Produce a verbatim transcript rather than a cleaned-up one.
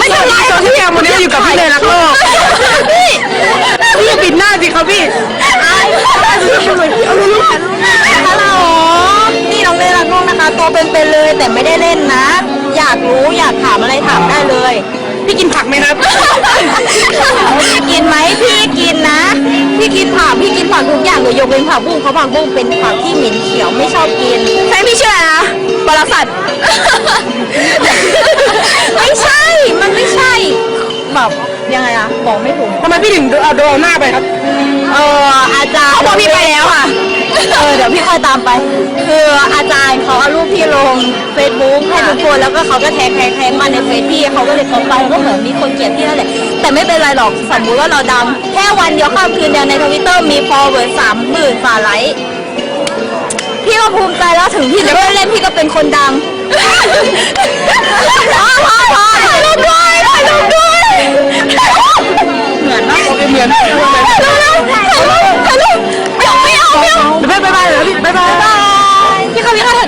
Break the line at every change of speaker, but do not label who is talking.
ไม่ใช่ไรตอนที่แอมวันนี้อยู่กับพี่เลยรักโลกพี่พี่ปิดหน้าสิครับพี่
ฮัลโหลนี่น้องเลยรักน้องนะคะตัวเป็นๆเลยแต่ไม่ได้เล่นนะอยากรู้อยากถามอะไรถามได้เลย
พี่กินผักไหมครับ
พี่กินไหมพี่กินนะพี่กินผักพี่กินผักทุกอย่างเลยยกเว้นผักบุ้งเพราะผักบุ้งเป็นผักที่เหม็นเขียวไม่ชอบกิน
ใช่พี่เชื่อนะปรสัตว์
ไม่ใช่มันไม่ใช่แบบยังไงอะบอกไม่ถูก
ทำไมพี่ถึงเอาโดนหน้าไปครับ
เอออาจารย์
เขาบอกพี่ไปแล้วค่ะ
เออเดี๋ยวพี่ค่อยตามไปคืออาจารย์เขาเอารูปพี่ลงเฟซบุ๊กให้ทุกคนแล้วก็เขาก็แท็กแท็กแท็กมาในเฟซพี่เขาก็เลยเข้าไปก็เหมือนมีคนเกลียดพี่นั่นแหละแต่ไม่เป็นไรหรอกสมมุติว่าเราดังแค่วันเดียวข้ามคืนเดียวในทวิตเตอร์มีฟอลเวิร์ดสามหมื่นฝ่าไลค์พี่ก็ภูมิใจแล้วถึงพี่จะไม่เล่นพี่ก็เป็นคนดังพอพอพอถ่ายรูปด้วยถ่ายรูปด้วยเหมือนนะ
โอเคเหมือนถ่ายรูป
ถ่ายรูปถ่ายรูปยังไม่เอาไม่เอา
บ๊ายบายเลยพี่บ๊ายบาย
พี่เขาพี่เขาถ่าย